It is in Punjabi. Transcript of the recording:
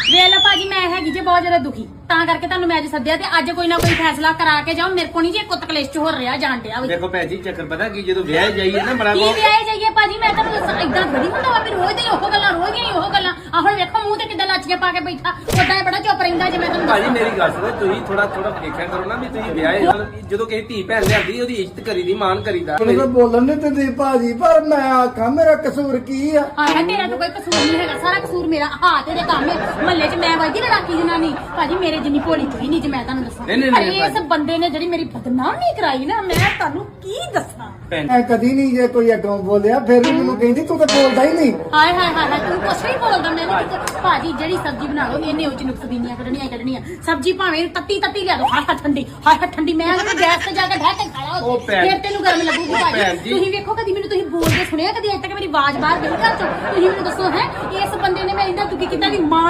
ਵੇਖ ਲਓ ਭਾਜੀ ਮੈਂ ਹੈਗੀ ਜੇ ਬਹੁਤ ਜ਼ਿਆਦਾ ਦੁਖੀ ਤਾਂ ਕਰਕੇ ਤੁਹਾਨੂੰ ਮੈਂ ਅੱਜ ਸੱਦਿਆ ਤੇ ਅੱਜ ਕੋਈ ਨਾ ਕੋਈ ਫੈਸਲਾ ਕਰਾ ਕੇ ਜਾਓ ਮੇਰੇ ਕੋਲ ਨਹੀਂ ਜੇ ਕੁੱਤ ਕਲੇਸ਼ ਚ ਹੋ ਰਿਹਾ ਜਾਣ ਡਿਆ ਵੀ ਦੇਖੋ ਭੈਣ ਜੀ ਚੱਕਰ ਪਤਾ ਕੀ ਜਦੋਂ ਵਿਆਹ ਜਾਈਏ ਨਾ ਬੜਾ ਕੀ ਵਿਆਹੇ ਜਾਈਏ ਭਾਜੀ ਮੈਂ ਤੁਹਾਨੂੰ ਦੱਸਾਂ ਏਦਾਂ ਥੋੜੀ ਹੁੰਦਾ ਵਾ ਵੀ ਰੋਜ਼ ਦੀਆਂ ਉਹ ਗੱਲਾਂ ਰੋਜ਼ ਦੀਆਂ ਉਹ ਗੱਲਾਂ ਆ ਹੁਣ ਵੇਖੋ ਮੂੰਹ ਤੇ ਕਿੱਦਾਂ ਲੱਚ ਕੇ ਪਾ ਕੇ ਬੈਠਾ ਉਦਾਂ ਬੜਾ ਚੁੱਪ ਰਹਿੰਦਾ ਜੇ ਮੈਂ ਤੁਹਾਨੂੰ ਭਾਜੀ ਮੇਰੀ ਗੱਲ ਸੁਣੋ ਤੁਸੀਂ ਥੋੜਾ ਦੇਖਿਆ ਕਰੋ ਨਾ ਵੀ ਤੁਸੀਂ ਵਿਆਹੇ ਜਦੋਂ ਕਿਸੇ ਧੀ ਭੈਣ ਲਿਆਂਦੀ ਉਹਦੀ ਇੱਜ਼ਤ ਕਰੀਦੀ ਮਾਣ ਕਰੀਦਾ ਮੈਨੂੰ ਬੋਲਣ ਨਹੀਂ ਦਿੰਦੀ ਭਾਜੀ ਪਰ ਮੈਂ ਆਖਾਂ ਮੇਰਾ ਕਸੂਰ ਕੀ ਆ ਆਇਆ ਤੇਰਾ ਤਾਂ ਕੋਈ ਕਸੂਰ ਨਹੀਂ ਹੈਗਾ ਸਾਰਾ ਕਸੂਰ ਮੇਰਾ ਹਾਂ ਤੇਰੇ ਕੰਮ ਹੈ ਮਹੱਲੇ 'ਚ ਮੈਂ ਵਜਦੀ ਲੜਾਕੀ ਜਨਾਨੀ ਭਾਜੀ ਮੇਰੇ ਜਿੰਨੀ ਭੋਲੀ ਕੋਈ ਨਹੀਂ ਜੇ ਮੈਂ ਤੁਹਾਨੂੰ ਦੱਸਾਂ ਪਰ ਇਸ ਬੰਦੇ ਨੇ ਜਿਹੜੀ ਮੇਰੀ ਬਦਨਾਮੀ ਕਰਾਈ ਨਾ ਮੈਂ ਤੁਹਾਨੂੰ ਕੀ ਦੱਸਾਂ ਮੈਂ ਕਦੀ ਨਹੀਂ ਜੇ ਕੋਈ ਅੱਗੋਂ ਬੋਲਿਆ ਫਿਰ ਵੀ ਮੈਨੂੰ ਕਹਿੰਦੀ ਤੂੰ ਤਾਂ ਬੋਲਦਾ ਹੀ ਨਹੀਂ ਹਾਏ ਹਾਏ ਹਾਏ ਤੂੰ ਕੁਛ ਨਹੀਂ ਬੋਲਦਾ ਮੈਂ ਭਾਜੀ ਜਿਹੜੀ ਸਬਜ਼ੀ ਬਣਾ ਲਓ ਇਹਨੇ ਉੱਚ ਨੁਕਸ ਬੀਨੀਆਂ ਕੱਢਣੀਆਂ ਸਬਜ਼ੀ ਭਾਵੇਂ ਤੱਤੀ ਲਿਆ ਦੋ ਹਾਏ ਹਾਏ ਠੰਡੀ ਮੈਂ ਉਹਨੂੰ ਗੈਸ ਤੇ ਜਾ ਕੇ ਢਹਿ ਕੇ ਖਾਲਾ ਫਿਰ ਤੈਨੂੰ ਗਰਮ ਲੱਗੂਗੀ ਭਾਜੀ ਤੁਸੀਂ ਵੇਖੋ ਕਦੀ ਮੈਨੂੰ ਤੁਸੀਂ ਬੋਲਦੇ ਸੁਣਿਆ ਕਦੀ ਅਜੇ ਤੱਕ ਮੇਰੀ ਆਵਾਜ਼ ਬਾਹਰ ਗਈ ਘਰ ਚੋਂ ਤੁਸੀਂ ਮੈਨੂੰ ਦੱਸੋ ਹੈ ਇਸ ਬੰਦੇ ਨੇ ਮੈਂ ਇੰਨਾ ਦੁਖੀ ਕੀਤਾ ਦੀ ਮਾਂ